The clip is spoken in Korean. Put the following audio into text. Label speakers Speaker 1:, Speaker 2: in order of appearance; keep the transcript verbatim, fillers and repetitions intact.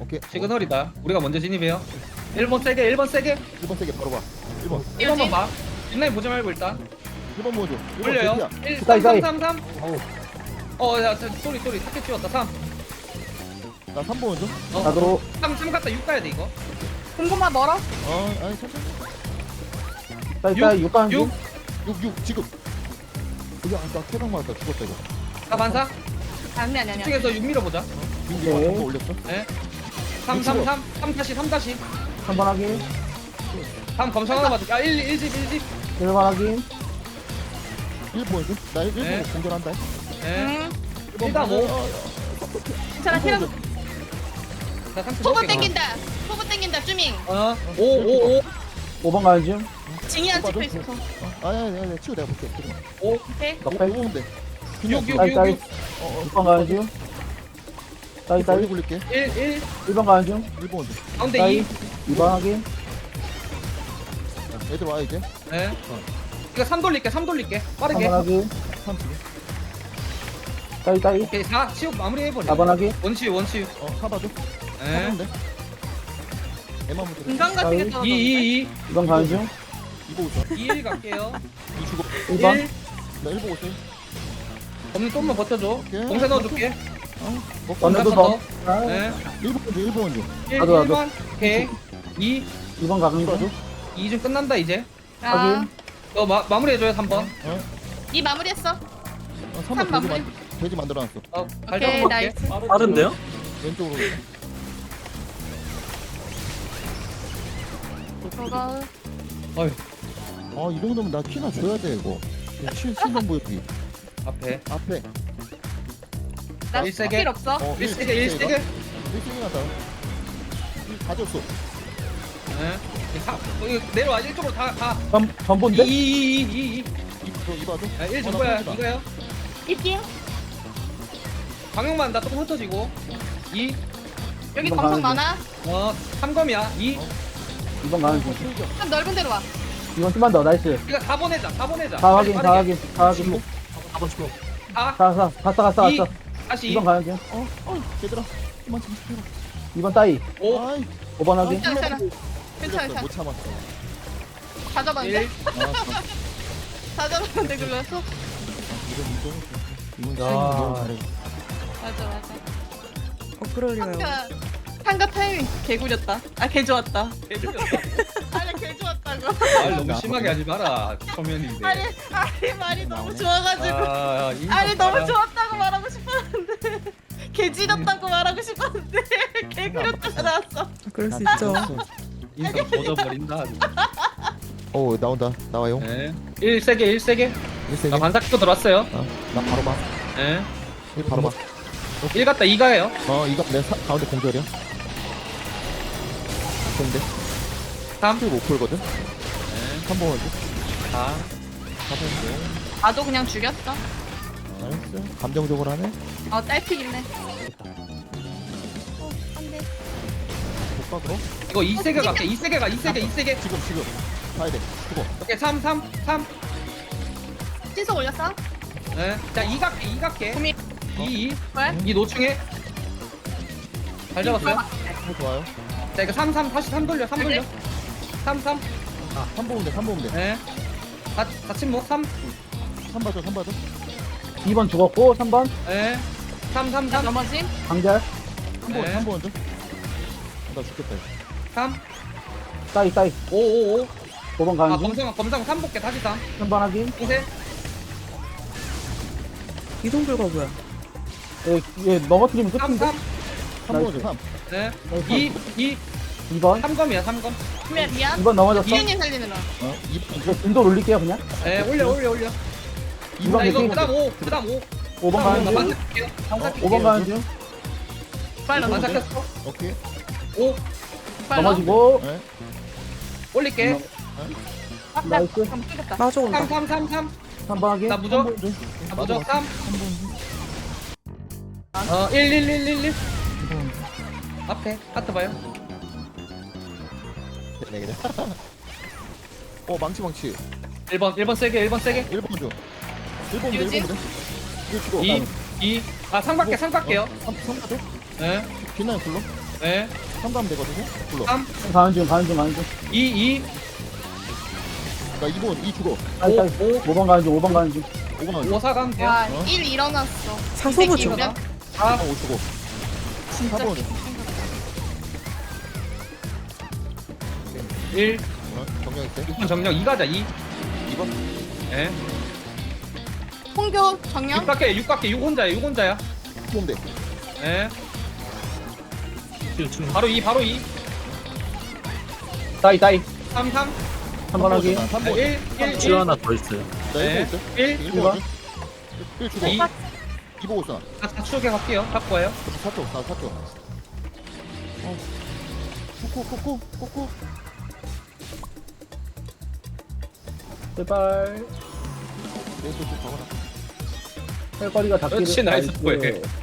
Speaker 1: 오케이.
Speaker 2: 시그널이다. 우리가 먼저 진입해요. 일 번 세게, 일 번 세게.
Speaker 1: 일 번 세게 바로 봐. 일 번.
Speaker 2: 일 번만 봐. 뒷라인 보지 말고 일단.
Speaker 1: 일 번 모아줘. 일 번
Speaker 2: 올려요.
Speaker 1: 대피야.
Speaker 2: 일,
Speaker 3: 가이,
Speaker 2: 삼,
Speaker 3: 가이.
Speaker 2: 삼, 삼, 삼.
Speaker 3: 어우,
Speaker 2: 어, 야, 저, 쏘리, 쏘리. 타켓 찍었다. 삼.
Speaker 1: 나 삼 번 먼저.
Speaker 2: 어,
Speaker 3: 나도
Speaker 2: 삼, 삼 갔다 육 가야 돼, 이거.
Speaker 4: 궁금한 멀어?
Speaker 1: 어, 아니 천천히.
Speaker 3: 따이 따이 육 가는
Speaker 2: 육.
Speaker 3: 중.
Speaker 1: 육, 육 지금. 이게 아까 태강 맞았다. 죽었다 이거.
Speaker 2: 사 반사.
Speaker 4: 아니 아니 아니.
Speaker 2: 이쪽에서 육 밀어보자.
Speaker 1: 육
Speaker 3: 네.
Speaker 1: 이거 한번 올렸어.
Speaker 2: 예. 삼, 삼, 삼. 삼 다시, 삼 다시.
Speaker 3: 삼 번 확인.
Speaker 2: 다음 검성 하나 받을게. 아, 일, 일 집, 일 집.
Speaker 3: 일 번 확인.
Speaker 1: 일 번 해줘. 나 일 번
Speaker 2: 네.
Speaker 1: 공격한다.
Speaker 2: 예.
Speaker 4: 응.
Speaker 1: 일
Speaker 2: 일단 오.
Speaker 4: 괜찮아 태양.
Speaker 2: 나 상태
Speaker 4: 포부
Speaker 2: 먹을게.
Speaker 4: 땡긴다. 포부 땡긴다. 쭈밍.
Speaker 2: 어, 오, 오, 오.
Speaker 3: 오 번 가는 중.
Speaker 4: 징이한
Speaker 1: 오빠도?
Speaker 4: 찍혀 있어.
Speaker 1: 아니 아니 아니 치우 내가 볼게. 지금.
Speaker 2: 오.
Speaker 4: 오케이.
Speaker 3: 넉백.
Speaker 1: 오 돼.
Speaker 2: 육, 육,
Speaker 3: 따이
Speaker 2: 육,
Speaker 3: 따이.
Speaker 2: 육.
Speaker 1: 어,
Speaker 3: 육 번 가는 중. 따이
Speaker 1: 어. 멀리
Speaker 3: 따이.
Speaker 1: 굴릴게.
Speaker 2: 일, 일.
Speaker 3: 일 번 가는 중.
Speaker 1: 일 번 먼저.
Speaker 2: 가운데
Speaker 3: 따이.
Speaker 2: 이.
Speaker 3: 이 번 확인.
Speaker 1: 애들 와 이제.
Speaker 2: 예. 이거 삼 돌릴게, 삼 돌릴게. 빠르게.
Speaker 3: 삼 번 확인.
Speaker 1: 삼 지금.
Speaker 3: 따이 따이.
Speaker 2: 오케이, 사. 치우 마무리 해버려.
Speaker 3: 사 번 확인.
Speaker 2: 원치유, 원치유.
Speaker 1: 어, 사봐줘.
Speaker 2: 예.
Speaker 1: 사는데. 애만 먼저.
Speaker 4: 인간 같은 게 떨어졌는데.
Speaker 2: 이, 이, 이.
Speaker 3: 이 번 가는 중.
Speaker 1: 이거 오자.
Speaker 2: 이, 일 갈게요.
Speaker 1: 이 주고.
Speaker 3: 일 번.
Speaker 2: 일.
Speaker 1: 나일 보고 있어.
Speaker 2: 검은 좀만 버텨줘.
Speaker 1: 오케이.
Speaker 2: 공세 넣어줄게.
Speaker 1: 어, 먹고.
Speaker 3: 언제도
Speaker 2: 더.
Speaker 3: 더. 아,
Speaker 2: 예.
Speaker 1: 일 번 먼저. 일 번 먼저.
Speaker 2: 일,
Speaker 3: 나도, 나도.
Speaker 2: 일 번. 오케이. 이.
Speaker 3: 이 번 가는
Speaker 1: 봐줘.
Speaker 3: 중.
Speaker 2: 이 좀 끝난다, 이제.
Speaker 4: 아.
Speaker 3: 확인.
Speaker 2: 너 마, 마무리해줘요, 삼 번.
Speaker 1: 어,
Speaker 4: 이 마무리했어.
Speaker 1: 어 삼
Speaker 4: 삼
Speaker 1: 번 돼지
Speaker 4: 마무리.
Speaker 1: 만 돼지 만들어놨어.
Speaker 2: 어,
Speaker 4: 오케이
Speaker 2: 발전 할게.
Speaker 4: 나이스.
Speaker 5: 빠른데요?
Speaker 1: 왼쪽으로.
Speaker 4: 저거
Speaker 2: 어휴,
Speaker 1: 아, 이 정도면 나 키나 줘야 돼 이거. 칠 신경 보여주기.
Speaker 2: 앞에.
Speaker 1: 앞에.
Speaker 4: 나
Speaker 2: 일 세게.
Speaker 4: 필요 없어.
Speaker 1: 어,
Speaker 2: 일 세게, 일 세게.
Speaker 1: 일 세게 갔다. 다 줬어.
Speaker 2: 예. 사, 어, 이거 내려와, 이쪽으로 다, 가.
Speaker 1: 네?
Speaker 3: 전
Speaker 2: 이,
Speaker 3: 전본데.
Speaker 2: 이, 이, 이, 이.
Speaker 1: 이거 이 봐줘.
Speaker 2: 아, 일
Speaker 1: 어,
Speaker 2: 줄
Speaker 1: 나
Speaker 2: 거야,
Speaker 1: 끊지 마.
Speaker 2: 이거요.
Speaker 4: 이팅.
Speaker 2: 방역만 나 조금 흩어지고. 이.
Speaker 4: 여기
Speaker 3: 이번
Speaker 4: 검성
Speaker 3: 가는
Speaker 4: 많아.
Speaker 2: 어, 삼검이야. 이.
Speaker 3: 이 번 가는 중.
Speaker 4: 좀 넓은 데로 와.
Speaker 3: 이 번 좀만 더. 나이스.
Speaker 2: 이거 다 보내자, 다 보내자.
Speaker 3: 다 확인. 다
Speaker 2: 빠르게.
Speaker 3: 확인. 다 확인.
Speaker 5: 사 번 치고.
Speaker 2: 사.
Speaker 3: 가, 가. 갔어 갔어
Speaker 2: 이.
Speaker 3: 갔어.
Speaker 2: 다시
Speaker 3: 이
Speaker 2: 이.
Speaker 3: 번 가는 중.
Speaker 1: 어, 어, 얘들아. 그만 좀 해라.
Speaker 3: 이 번 따이.
Speaker 2: 오.
Speaker 1: 아이,
Speaker 3: 오 번 확인.
Speaker 4: 괜찮아 괜찮아. 괜찮아
Speaker 1: 못
Speaker 4: 괜찮아.
Speaker 1: 참았어.
Speaker 4: 다
Speaker 2: 일.
Speaker 4: 잡았는데?
Speaker 1: 아, 참.
Speaker 4: 다 잡았는데 글렀어?
Speaker 1: 이건 이건 이건
Speaker 3: 야.
Speaker 1: 시행이 너무 잘해.
Speaker 4: 맞아 맞아.
Speaker 6: 어, 그러려요.
Speaker 4: 상가 상가 타이밍 개 구렸다. 아 개 좋았다.
Speaker 2: 해주셨어.
Speaker 4: 아니 개 좋았다고.
Speaker 2: 말 너무 심하게 하지 마라. 초면인데.
Speaker 4: 아니 아니 말이 너무 좋아가지고.
Speaker 2: 아, 인성
Speaker 4: 아니 너무
Speaker 2: 봐라.
Speaker 4: 좋았다고 말하고 싶었는데 개 지렸다고 말하고 싶었는데 개 구렸다가 나왔어.
Speaker 6: 그럴 수
Speaker 1: 나
Speaker 6: 있죠.
Speaker 1: 진짜
Speaker 2: 인성 젖어버린다. 아주.
Speaker 1: 어, 나온다. 나와요.
Speaker 2: 네. 일 세게, 일 세게.
Speaker 1: 일 세게.
Speaker 2: 나 반사 키고 들어왔어요.
Speaker 1: 어, 나 바로 봐.
Speaker 2: 예.
Speaker 1: 일 바로 봐.
Speaker 2: 일 갔다 이 가요.
Speaker 1: 어, 이거 내 사, 가운데 공절이야. 근데
Speaker 2: 삼.
Speaker 1: 못 풀거든.
Speaker 2: 네.
Speaker 1: 한 번 먼저.
Speaker 2: 사.
Speaker 1: 사 번.
Speaker 4: 나도 그냥 죽였어.
Speaker 1: 나이스. 감정적으로 하네.
Speaker 4: 어 딸픽 있네. 어 안돼.
Speaker 1: 복각으로.
Speaker 2: 이거 이 세게 갈게. 이 세게 가. 이 세게, 이 세게.
Speaker 1: 지금 지금. 가야 돼. 죽어.
Speaker 2: 오케이. 삼, 삼, 삼.
Speaker 4: 신속 올렸어?
Speaker 2: 예. 자, 이 갈게. 이 갈게.
Speaker 4: 고민.
Speaker 2: 이, 이.
Speaker 4: 왜?
Speaker 2: 이 노충해. 잘 잡았어요.
Speaker 1: 어, 좋아요.
Speaker 2: 자, 이거 삼, 삼. 다시 삼 돌려. 삼 돌려. 삼, 삼.
Speaker 1: 아, 삼 보면 돼. 삼 보면 돼.
Speaker 2: 예. 다, 다 침묵. 삼.
Speaker 1: 삼 봐줘. 삼 봐줘.
Speaker 3: 이 번 죽었고 삼 번
Speaker 2: 예. 삼, 삼,
Speaker 4: 나
Speaker 2: 삼.
Speaker 4: 넘어짐.
Speaker 3: 강절.
Speaker 1: 삼 번.
Speaker 2: 네.
Speaker 1: 삼 번 먼저. 어, 나 죽겠다. 이거.
Speaker 2: 삼.
Speaker 3: 따이 따이.
Speaker 2: 오, 오, 오.
Speaker 3: 오 번
Speaker 2: 아,
Speaker 3: 가는 중.
Speaker 2: 검성, 검성 삼 볼게. 다시 삼.
Speaker 3: 삼 번 확인.
Speaker 2: 공세.
Speaker 6: 이동불가 뭐야?
Speaker 3: 예, 예 넘어뜨리면
Speaker 2: 삼,
Speaker 3: 끝인데.
Speaker 2: 삼.
Speaker 1: 삼 먼저. 삼.
Speaker 2: 예.
Speaker 3: 나이스.
Speaker 2: 이, 이.
Speaker 3: 이 번.
Speaker 2: 삼 검이야, 삼 검.
Speaker 4: 그러면 미안.
Speaker 3: 이 번 넘어졌어.
Speaker 4: 이윤님 살리는 거.
Speaker 1: 어, 이 번.
Speaker 3: 이거 진도 올릴게요 그냥.
Speaker 2: 예, 올려, 올려, 올려.
Speaker 3: 이 번
Speaker 2: 자, 이거
Speaker 3: 개피.
Speaker 2: 그 다음 오. 그 다음 오.
Speaker 3: 오 번 가는 중.
Speaker 2: 반사 킬게요. 반사
Speaker 3: 오 번 가는 중.
Speaker 4: 빨라
Speaker 2: 반사
Speaker 4: 넘어.
Speaker 2: 켰어.
Speaker 1: 오케이.
Speaker 2: 오.
Speaker 4: 빨라.
Speaker 3: 넘어지고.
Speaker 1: 네.
Speaker 2: 올릴게.
Speaker 4: 아, 나
Speaker 3: 나이스.
Speaker 4: 잠 끌겠다.
Speaker 6: 마저 온다.
Speaker 2: 삼, 삼, 삼, 삼.
Speaker 3: 삼 번 확인.
Speaker 2: 나 무적. 나 무적 삼. 어, 일, 일, 일, 일, 일. 앞에. 하트 봐요.
Speaker 1: 네, 그래. 어, 망치 망치.
Speaker 2: 일 번, 일 번 세게, 일 번 세게.
Speaker 1: 일 번 줘. 일 번 돼. 일
Speaker 4: 유진?
Speaker 1: 번 돼. 이거 죽어.
Speaker 2: 이, 이. 아, 상 갈게, 상 갈게요.
Speaker 1: 삼, 삼 가줘.
Speaker 2: 예.
Speaker 1: 빛나요 불러.
Speaker 2: 네.
Speaker 1: 삼 가면 되거든요. 불러.
Speaker 2: 삼,
Speaker 3: 가는 중 가는 중 가는 중.
Speaker 2: 이, 이,
Speaker 1: 나 이 번 이 죽어.
Speaker 3: 빨리 빨리.
Speaker 2: 오, 오.
Speaker 3: 오 번 가는 중 오 번 가는 중.
Speaker 1: 오 번
Speaker 2: 오, 사 가면 돼요.
Speaker 4: 와,
Speaker 1: 어?
Speaker 4: 일 일어났어.
Speaker 6: 사소부 중.
Speaker 4: 면
Speaker 2: 사,
Speaker 1: 오 죽어.
Speaker 4: 진짜
Speaker 1: 사 번.
Speaker 2: 일,
Speaker 1: 어? 정리했어요.
Speaker 2: 육 번 정령, 이 가자, 이.
Speaker 1: 이 번.
Speaker 2: 네.
Speaker 4: 홍교
Speaker 2: 육
Speaker 4: 정령.
Speaker 2: 갈게, 육 갈게, 육 혼자야, 육 혼자야.
Speaker 1: ôm 돼.
Speaker 2: 네. 바로 이, 바로 이.
Speaker 3: 따이 따이.
Speaker 2: 삼, 삼.
Speaker 3: 한 번 하기.
Speaker 1: 삼
Speaker 2: 네,
Speaker 1: 번.
Speaker 2: 일, 일,
Speaker 5: 치료
Speaker 2: 일.
Speaker 5: 하나 더 있어요.
Speaker 1: 나
Speaker 2: 네.
Speaker 1: 일 보고 있어.
Speaker 2: 일,
Speaker 1: 일 보고 있어. 일 죽어.
Speaker 2: 이.
Speaker 1: 이 보고 있어.
Speaker 2: 사, 사 추억에 갈게요. 갖고 와요.
Speaker 1: 사쪽 나 사쪽. 어. 코코 코코 코코.
Speaker 3: 제발.
Speaker 1: 내손 좀 적어놔.
Speaker 3: 할 거리가 닿기를.
Speaker 2: 그렇지, 나이스 보이.